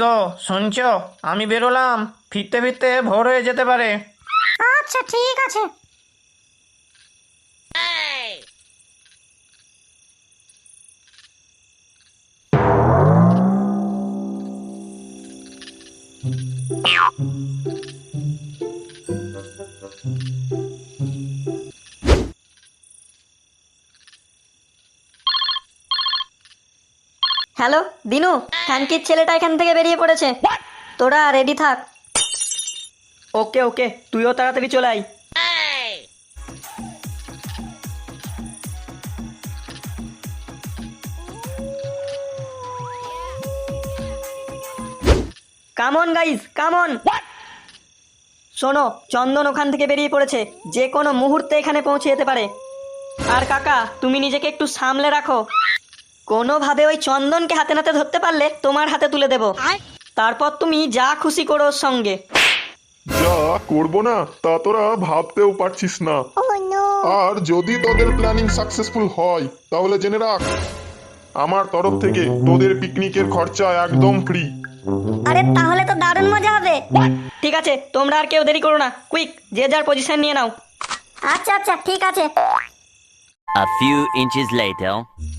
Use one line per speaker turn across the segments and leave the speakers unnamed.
গো, শুনছো? আমি বেরোলাম, ফিরতে ফিরতে ভোর হয়ে যেতে পারে।
আচ্ছা ঠিক আছে।
হ্যালো দিনু, খানকির ছেলেটা এখান থেকে বেরিয়ে পড়েছে, তোরা রেডি থাক।
ওকে ওকে, তুইও তাড়াতাড়ি চলে আয়। Come on guys, come on. শোনো, চন্দন ওখান থেকে বেরিয়ে পড়েছে, যে কোনো মুহূর্তে এখানে পৌঁছে যেতে পারে। আর কাকা, তুমি নিজেকে একটু সামলে রাখো। কোনোভাবে ওই চন্দনকে হাতে নাতে ধরতে পারলে তোমার হাতে তুলে দেব, তারপর তুমি যা খুশি করো ওর সঙ্গে।
যা করবো না তা তোরা ভাবতেও পারছিস না। আর যদি তোদের প্ল্যানিং সাকসেসফুল হয় তাহলে জেনে রাখ, আমার তরফ থেকে তোদের পিকনিকের খরচা একদম ফ্রি।
আরে তাহলে তো দারুণ মজা হবে। ঠিক আছে, তোমরা আর কেউ দেরি করো না, কুইক যে যার পজিশন নিয়ে নাও।
আচ্ছা আচ্ছা ঠিক আছে।
A few inches later.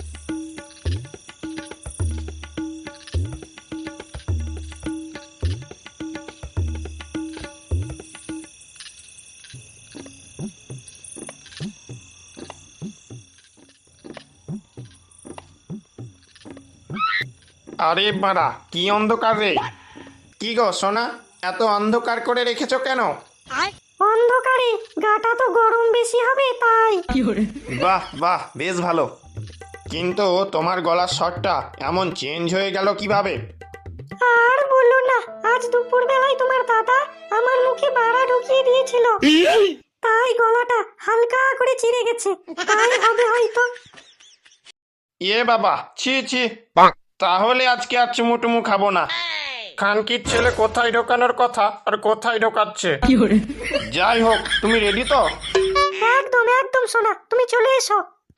আরে বাড়া, কি অন্ধকার রে! কি গো সোনা, এত অন্ধকার করে রেখেছো কেন?
অন্ধকারে গাটা তো গরম বেশি হবে তাই।
বাহ বাহ, বেশ ভালো। কিন্তু তোমার গলার স্বরটা এমন চেঞ্জ হয়ে গেল কিভাবে?
আর বললো না, আজ দুপুর বেলায় তোমার দাদা আমার মুখে বাড়া ঢুকিয়ে দিয়েছিল, তাই গলাটা হালকা করে চিড়ে গেছে, তাই হবে হয়তো।
এ বাবা, ছি ছি! তাহলে আজকে আর চুমুটুমু খাবো না। খানকির ছেলে কোথায় ঢোকানোর কথা আর কোথায় ঢোকাচ্ছে। যাই হোক, তুমি রেডি তো?
একদম একদম সোনা, তুমি চলে এসো।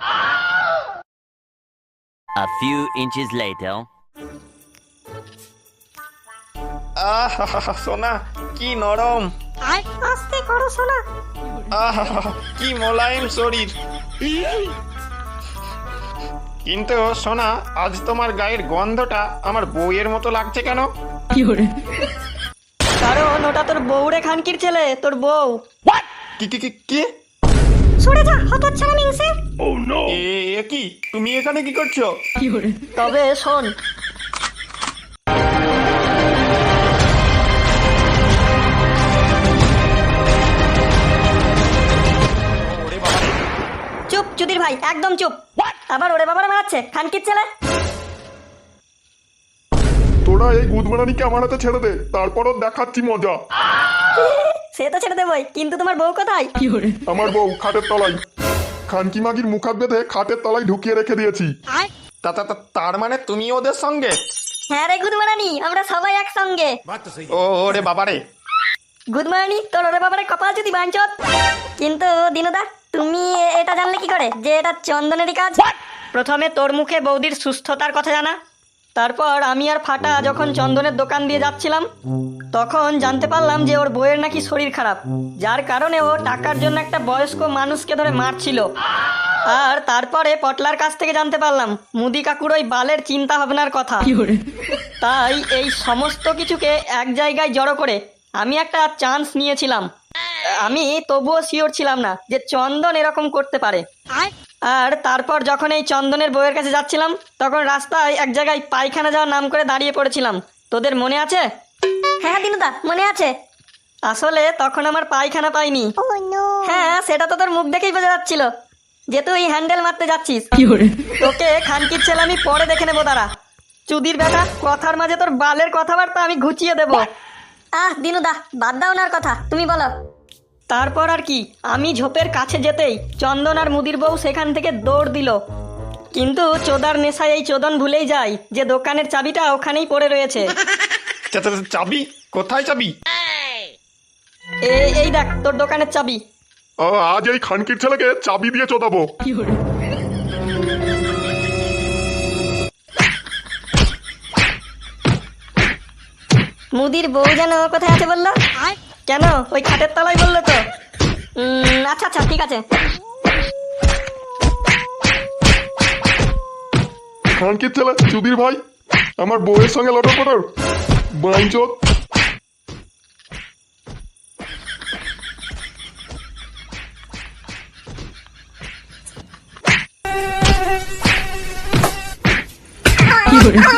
A few inches later.
আহ সোনা, কি নরম!
আস্তে করো সোনা।
আহ কি মোলায়েম শরীর! কিন্তু সোনা, আজ তোমার গায়ের গন্ধটা আমার বউয়ের মতো লাগছে কেন?
কারণ ওটা তোর বউ রে, খানকির ছেলে, তোর বউ।
কি কি কি কি?
সরে যা হতচ্ছাড়া মিংসে।
এ কি, তুমি এখানে কি করছো?
তবে শোন, চুপ চুদির ভাই, একদম চুপ। আবার ওরে বাবারে মারাচ্ছে খানকির ছেলে।
তোরা এই গুদমারানিকে আমার হাতে ছেড়ে দে, তারপরও দেখাচ্ছি মজা।
সে তো ছেড়ে দেবই, কিন্তু তোমার বউ কোথায়?
আমার বউ খাটের তলায়, খানকি মাগির মুখাত বেঁধে খাটের তলায় ঢুকিয়ে রেখে দিয়েছি।
তার মানে তুমি ওদের সঙ্গে?
হ্যাঁ রে গুদমারানি, আমরা সবাই একসঙ্গে।
ওরে বাবারে!
গুদমারানি, তোর ওরে বাবারে কপাল যদি বাঞ্চত। কিন্তু দিনুদা, তুমি এটা জানলে কি করে যে এটা চন্দনেরই কাজ? প্রথমে তোর মুখে বৌদির সুস্থতার কথা জানা, তারপর আমি আর ফাটা যখন চন্দনের দোকান দিয়ে যাচ্ছিলাম তখন জানতে পারলাম যে ওর বউয়ের নাকি শরীর খারাপ, যার কারণে ও টাকার জন্য একটা বয়স্ক মানুষকে ধরে মারছিল। আর তারপরে পটলার কাছ থেকে জানতে পারলাম মুদি কাকুর ওই বালের চিন্তা ভাবনার কথা। তাই এই সমস্ত কিছুকে এক জায়গায় জড়ো করে আমি একটা চান্স নিয়েছিলাম। আমি তবুও শিওর ছিলাম না যে চন্দন এরকম করতে পারে। আর তারপর যখন এই চন্দনের বউয়ের কাছে যাচ্ছিলাম তখন রাস্তায় এক জায়গায় পায়খানা যাওয়ার নাম করে দাঁড়িয়ে পড়েছিলাম। তোদের মনে আছে? হ্যাঁ দিনুদা, মনে আছে। আসলে তখন আমার পায়খানা পাইনি। হ্যাঁ, সেটা তো তোর মুখ দেখেই বোঝা যাচ্ছিল যে তুই হ্যান্ডেল মারতে যাচ্ছিস। তোকে খানকির ছেলে আমি পরে দেখে নেবো, দাঁড়া। চুদির বেটা, কথার মাঝে তোর বালের কথাবার্তা আমি ঘুচিয়ে দেবো। দিনুদা, বাদ দাও ওনার কথা, তুমি বলো। তারপর আর কি, আমি ঝোপের কাছে যেতেই চন্দন আর মুদির বউ সেখান থেকে দৌড় দিল। কিন্তু চোদার নেশায় এই চোদন ভুলেই যায় যে দোকানের চাবিটা ওখানেই পড়ে রয়েছে।
চাবি? কোথায় চাবি?
এই দেখ তোর দোকানের চাবি।
আজ এই খানকির ছেলেকে চাবি দিয়ে চোদাবো।
মুদির বউ যেন কোথায় আছে বললো?
কেন, ওই খাটের তলায় বললো তো।
আচ্ছা আচ্ছা ঠিক আছে।
খানকির ছেলে চুদির ভাই, আমার বউয়ের সঙ্গে লটর পটর, বাইঞ্চোদ।
কি